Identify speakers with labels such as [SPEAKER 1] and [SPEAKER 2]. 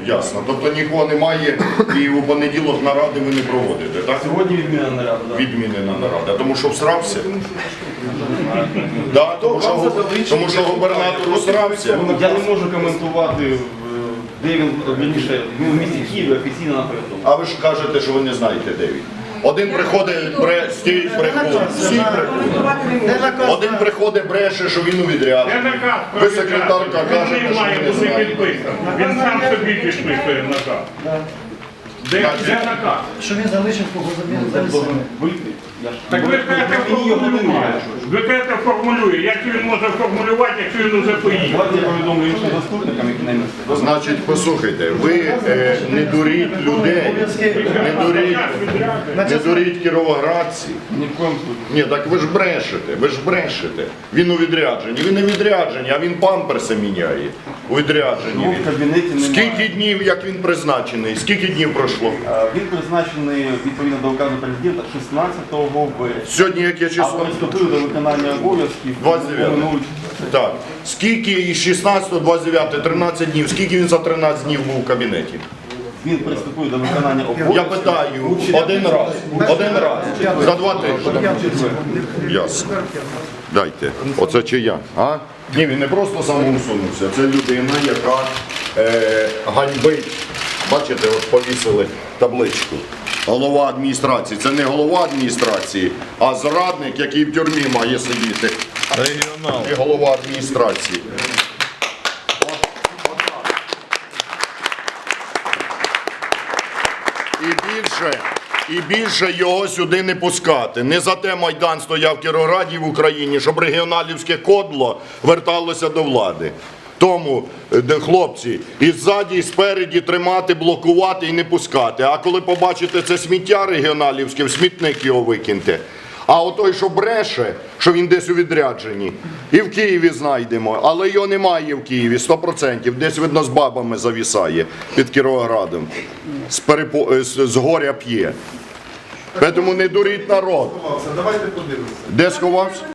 [SPEAKER 1] Ясно. Тобто нікого немає і у понеділок наради ви не проводите, так?
[SPEAKER 2] Сьогодні відмінена нарада. Да.
[SPEAKER 1] Відмінена нарада. Тому що всрався? Да, тому що губернатор всрався.
[SPEAKER 2] Я не можу коментувати, де він, вірніше, він в місті Києві офіційно напередодні.
[SPEAKER 1] А ви ж кажете, що ви не знаєте, де він. Один приходить, стій брехун, всі брехун. Один приходить, бреше, що він у відрядженні. Ви, секретарка, кажете, що
[SPEAKER 3] Немає
[SPEAKER 1] ви не
[SPEAKER 3] бути
[SPEAKER 1] знаєте.
[SPEAKER 3] підписаний. Він сам собі підписує наказ. Де наказ?
[SPEAKER 4] Що він залишив кого замінити?
[SPEAKER 2] Вийти.
[SPEAKER 3] Так ви кажете, формулює. Ви кажете, формулює. Як він може формулювати, якщо він уже поїхав?
[SPEAKER 2] Давайте я повідомлю іншим заступникам, які наймести.
[SPEAKER 1] Значить, послухайте, ви не дуріть людей, не дуріть кіровоградців.
[SPEAKER 2] Ні в коєму случаю.
[SPEAKER 1] Ні, так ви ж брешете. Він у відрядженні. Він не відрядженні, а він памперси міняє. У відрядженні.
[SPEAKER 2] Його в кабінеті немає.
[SPEAKER 1] Скільки днів, як він призначений? Скільки днів пройшло?
[SPEAKER 2] Він призначений відповідно до указу президента 16 вересня.
[SPEAKER 1] Сьогодні яке
[SPEAKER 2] А
[SPEAKER 1] число?
[SPEAKER 2] приступив до виконання обов'язків
[SPEAKER 1] 29.
[SPEAKER 2] минулого.
[SPEAKER 1] Так. Скільки із 16, 29, 13 днів, скільки він за 13 днів був у кабінеті?
[SPEAKER 2] Він приступив до виконання обов'язків.
[SPEAKER 1] Я питаю, один раз, за 2 тижні. Ясно. Дайте. Оце чия? А? Ні, він не просто самоусунувся, це людина, яка ганьбить. Бачите, от повісили табличку. Голова адміністрації. Це не голова адміністрації, а зрадник, який в тюрмі має сидіти. Регіонал. І голова адміністрації. І більше його сюди не пускати. Не за те Майдан стояв в Кіровограді в Україні, щоб регіоналівське кодло верталося до влади. Тому, хлопці, і ззаді, і спереді тримати, блокувати і не пускати. А коли побачите це сміття регіоналівське, в смітник його викиньте. А отой, що бреше, що він десь у відрядженні, і в Києві знайдемо, але його немає в Києві, 100%. Десь, видно, з бабами завісає під Кіровоградом. З горя п'є. Тому не дуріть народ.
[SPEAKER 5] Давайте подивимося.
[SPEAKER 1] Де сховався?